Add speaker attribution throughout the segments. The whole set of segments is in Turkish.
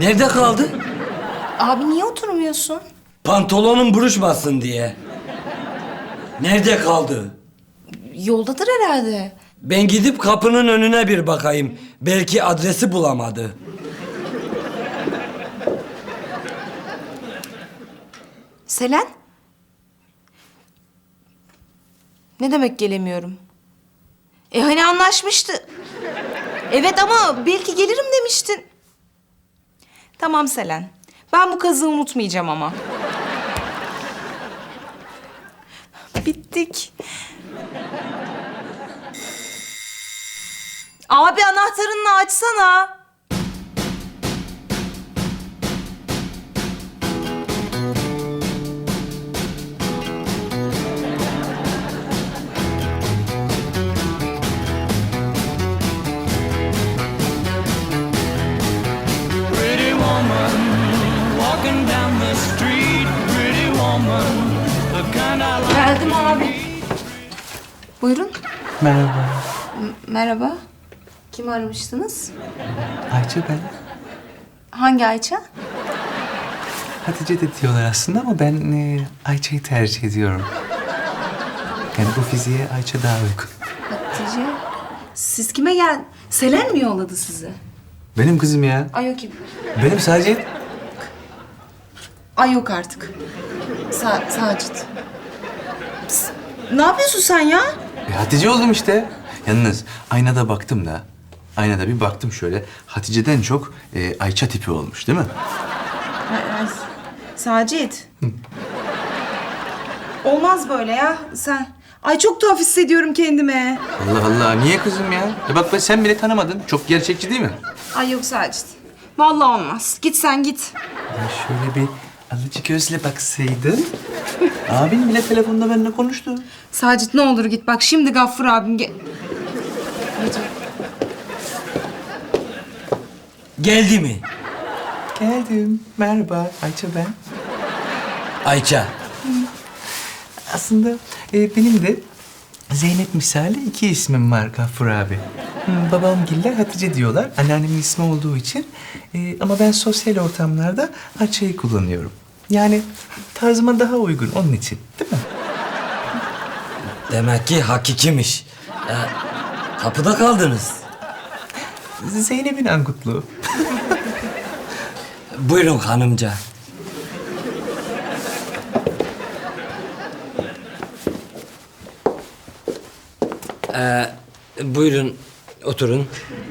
Speaker 1: Nerede kaldı?
Speaker 2: Abi niye oturmuyorsun?
Speaker 1: Pantolonun buruşmasın diye. Nerede kaldı?
Speaker 2: Yoldadır herhalde.
Speaker 1: Ben gidip kapının önüne bir bakayım. Belki adresi bulamadı.
Speaker 2: Selen? Ne demek gelemiyorum? Hani anlaşmıştı. Evet ama belki gelirim demiştin. Tamam Selen. Ben bu kazığı unutmayacağım ama. Bittik. Abi anahtarını açsana.
Speaker 3: Pretty woman, walking down the street. Pretty woman, the kind I like.
Speaker 2: Geldim abi. Buyurun.
Speaker 4: Merhaba.
Speaker 2: Merhaba. Kimi aramıştınız?
Speaker 4: Ayça ben.
Speaker 2: Hangi Ayça?
Speaker 4: Hatice de diyorlar aslında ama ben Ayça'yı tercih ediyorum. Yani bu fiziğe Ayça daha uygun.
Speaker 2: Hatice. Siz kime gel? Selen mi yolladı sizi?
Speaker 4: Benim kızım ya.
Speaker 2: Ay o kim?
Speaker 4: Benim sadece...
Speaker 2: Ay yok artık. Sacit. Ne yapıyorsun sen ya?
Speaker 4: Hatice oldum işte. Yalnız aynada baktım da. Aynada bir baktım şöyle. Hatice'den çok Ayça tipi olmuş değil mi?
Speaker 2: Sacit. Olmaz böyle ya. Sen... Ay çok tuhaf hissediyorum kendime.
Speaker 4: Allah Allah. Niye kızım ya? Bak sen bile tanımadın. Çok gerçekçi değil mi?
Speaker 2: Ay yok Sacit. Vallahi olmaz. Git sen git.
Speaker 4: Ya şöyle bir alıcı gözle baksaydın. Abin bile telefonda benimle konuştu.
Speaker 2: Sacit ne olur git. Bak şimdi Gaffur abim
Speaker 1: Geldi mi?
Speaker 4: Geldim. Merhaba. Ayça ben.
Speaker 1: Ayça.
Speaker 4: Aslında benim de Zeynep misali iki ismim var Gaffur abi. Babamgiller Hatice diyorlar. Anneannemin ismi olduğu için. Ama ben sosyal ortamlarda Ayça'yı kullanıyorum. Yani tarzıma daha uygun onun için. Değil mi?
Speaker 1: Demek ki hakikimiş. Kapıda kaldınız.
Speaker 4: Zeynep'in angutluğu.
Speaker 1: Buyurun hanımca. Buyurun oturun.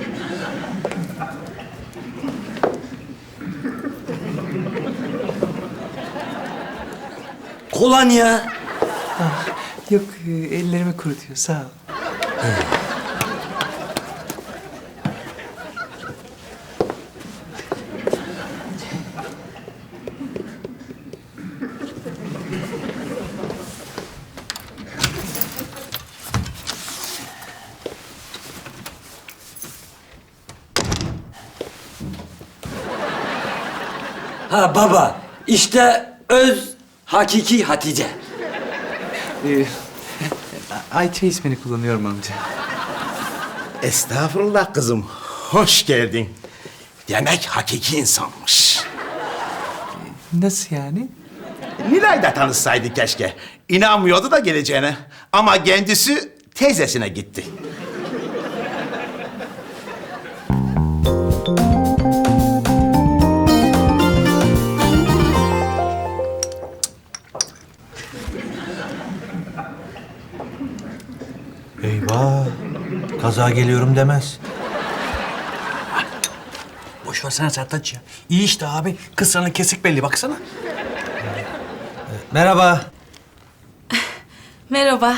Speaker 1: Kolonya.
Speaker 4: Yok ellerimi kurutuyor sağ ol.
Speaker 1: Ha baba, işte öz hakiki Hatice.
Speaker 4: Ayça ismini kullanıyorum amca.
Speaker 5: Estağfurullah kızım. Hoş geldin. Demek hakiki insanmış.
Speaker 4: Nasıl yani?
Speaker 5: Nilay da tanışsaydı keşke. İnanmıyordu da geleceğine. Ama kendisi teyzesine gitti.
Speaker 6: Eyvah! Kaza geliyorum demez.
Speaker 7: Boş versene Sertaç ya. İyi işte abi. Kız sana kesik belli baksana.
Speaker 6: Merhaba.
Speaker 2: Merhaba.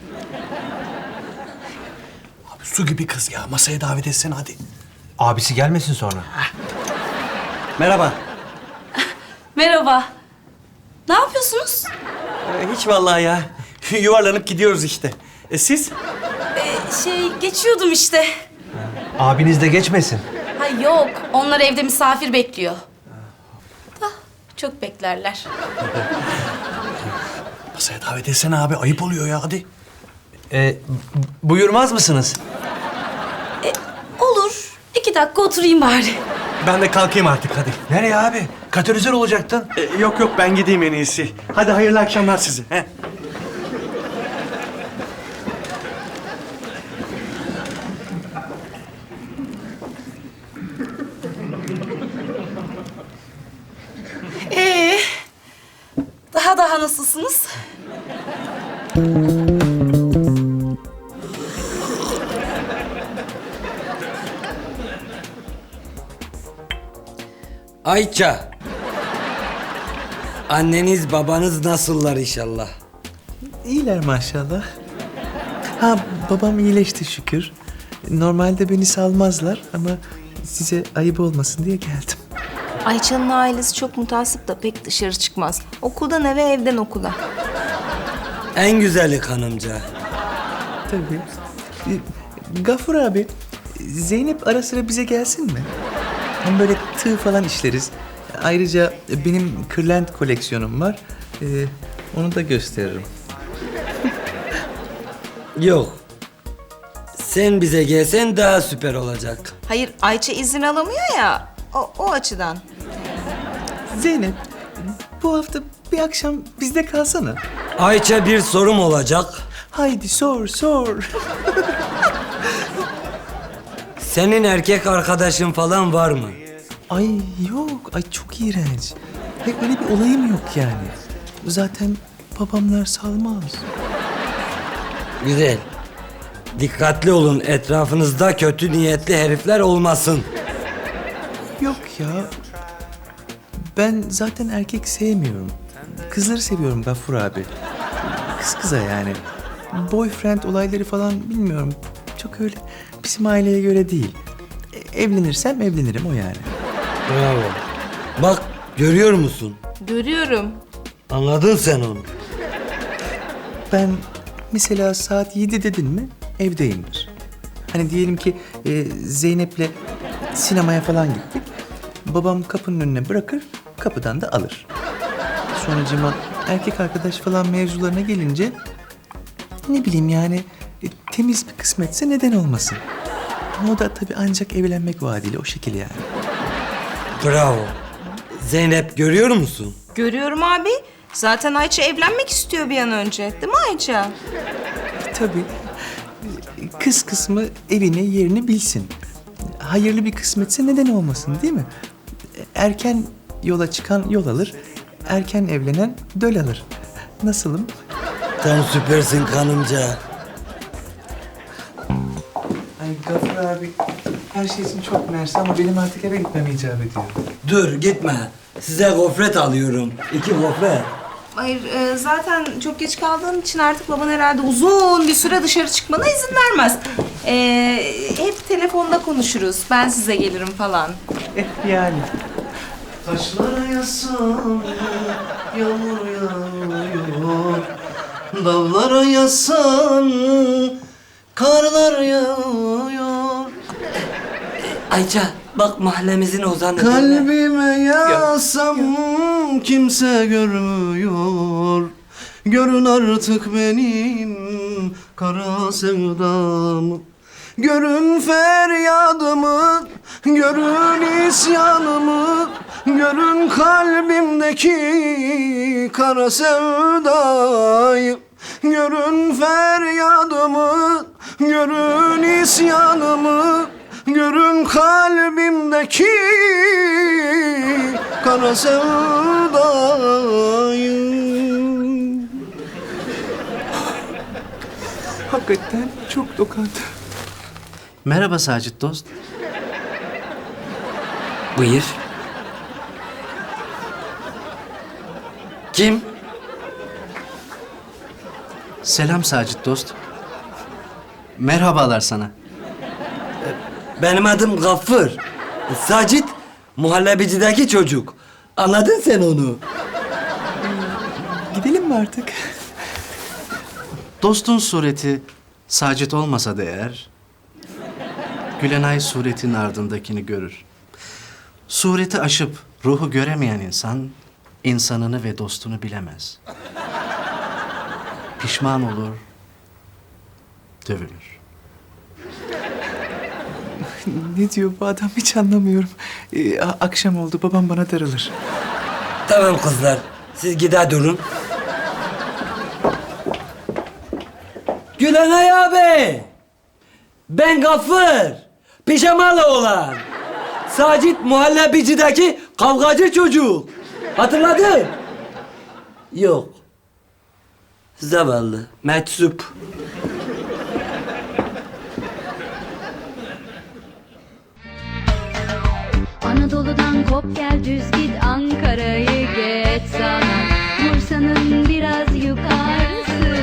Speaker 7: Abi su gibi kız ya. Masaya davet etsene hadi.
Speaker 6: Abisi gelmesin sonra. Merhaba.
Speaker 8: Merhaba. Ne yapıyorsunuz?
Speaker 7: Hiç vallahi ya. Yuvarlanıp gidiyoruz işte. Siz?
Speaker 8: Geçiyordum işte.
Speaker 6: Abiniz de geçmesin.
Speaker 8: Ha yok, onlar evde misafir bekliyor. Da çok beklerler.
Speaker 7: Masaya davet etsene abi. Ayıp oluyor ya hadi.
Speaker 6: Buyurmaz mısınız?
Speaker 8: Olur. 2 dakika oturayım bari.
Speaker 6: Ben de kalkayım artık hadi. Nereye abi? Katalizör olacaktın.
Speaker 7: Yok yok ben gideyim en iyisi. Hadi hayırlı akşamlar size. He.
Speaker 8: Ee, daha nasılsınız?
Speaker 1: Ayça. Anneniz babanız nasıllar inşallah?
Speaker 4: İyiler maşallah. Ha babam iyileşti şükür. Normalde beni salmazlar ama size ayıp olmasın diye geldim.
Speaker 2: Ayça'nın ailesi çok mutasip da pek dışarı çıkmaz. Okuldan eve, evden okula.
Speaker 1: En güzeli hanımca.
Speaker 4: Tabii. Gafur abi, Zeynep ara sıra bize gelsin mi? Hem böyle tığ falan işleriz. Ayrıca benim kırlent koleksiyonum var. Onu da gösteririm.
Speaker 1: Yok. Sen bize gelsen daha süper olacak.
Speaker 2: Hayır, Ayça izin alamıyor ya. O açıdan.
Speaker 4: Zeynep, bu hafta bir akşam bizde kalsana.
Speaker 1: Ayça bir sorum olacak.
Speaker 4: Haydi sor.
Speaker 1: Senin erkek arkadaşın falan var mı?
Speaker 4: Ay yok, ay çok iğrenç. Hayır, öyle bir olayım yok yani. Zaten babamlar salmaz.
Speaker 1: Güzel. Dikkatli olun, etrafınızda kötü niyetli herifler olmasın.
Speaker 4: Yok ya. Ben zaten erkek sevmiyorum. Kızları seviyorum Gaffur abi. Kız kıza yani. Boyfriend olayları falan bilmiyorum. Çok öyle bizim aileye göre değil. Evlenirsem evlenirim o yani.
Speaker 1: Bravo. Bak, görüyor musun?
Speaker 2: Görüyorum.
Speaker 1: Anladın sen onu.
Speaker 4: Ben mesela saat 7 dedin mi evdeyimdir. Hani diyelim ki Zeynep'le sinemaya falan gittik. Babam kapının önüne bırakır, kapıdan da alır. Sonracığıma erkek arkadaş falan mevzularına gelince ne bileyim yani temiz bir kısmetse neden olmasın. Ama o da tabii ancak evlenmek vaadiyle o şekil yani.
Speaker 1: Bravo. Zeynep görüyor musun?
Speaker 2: Görüyorum abi. Zaten Ayça evlenmek istiyor bir an önce. Değil mi Ayça?
Speaker 4: Tabii. Kız kısmı evini yerini bilsin. Hayırlı bir kısmetse neden olmasın değil mi? Erken yola çıkan yol alır. Erken evlenen döl alır. Nasılım?
Speaker 1: Sen süpersin kanımca.
Speaker 4: Ay Gafur abi her şey için çok mersi ama benim artık eve gitmem icap ediyor.
Speaker 1: Dur gitme. Size gofret alıyorum. 2 gofret.
Speaker 2: Hayır, zaten çok geç kaldığın için artık baban herhalde uzun bir süre dışarı çıkmana izin vermez. Hep telefonda konuşuruz. Ben size gelirim falan.
Speaker 4: Yani.
Speaker 6: Taşlara yasan yağmur yağıyor. Dağlara yasan karlar yağıyor.
Speaker 1: Ayça bak mahallemizin ozanı.
Speaker 6: Kalbime yasam kimse görmüyor. Görün artık benim kara sevdamı. Görün feryadımı, görün isyanımı. Görün kalbimdeki kara sevdayı. Görün feryadımı, görün isyanımı. Görün kalbimdeki kara sevdayı.
Speaker 4: Hakikaten çok dokandı.
Speaker 6: Merhaba Sacit dost.
Speaker 1: Buyur. Kim?
Speaker 6: Selam Sacit dost. Merhabalar sana.
Speaker 1: Benim adım Gaffur. Sacit, muhallebicideki çocuk. Anladın sen onu.
Speaker 4: Gidelim mi artık?
Speaker 6: Dostun sureti Sacit olmasa da eğer, Gülenay suretin ardındakini görür. Sureti aşıp ruhu göremeyen insan, insanını ve dostunu bilemez. Pişman olur, dövülür.
Speaker 4: Ne diyor bu adam hiç anlamıyorum. Akşam oldu babam bana darılır.
Speaker 1: Tamam kızlar, siz gider durun. Gülenay abi! Ben Gaffır, pijamalı olan. Sacit muhallebicideki kavgacı çocuk. Hatırladın? Yok. Zavallı, meczup.
Speaker 9: Anadolu'dan kop gel düz git Ankara'yı geç sana Bursa'nın biraz yukarısı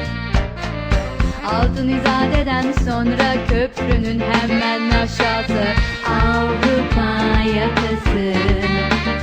Speaker 9: Altın İzade'den sonra köprünün hemen aşağısı Avrupa yakası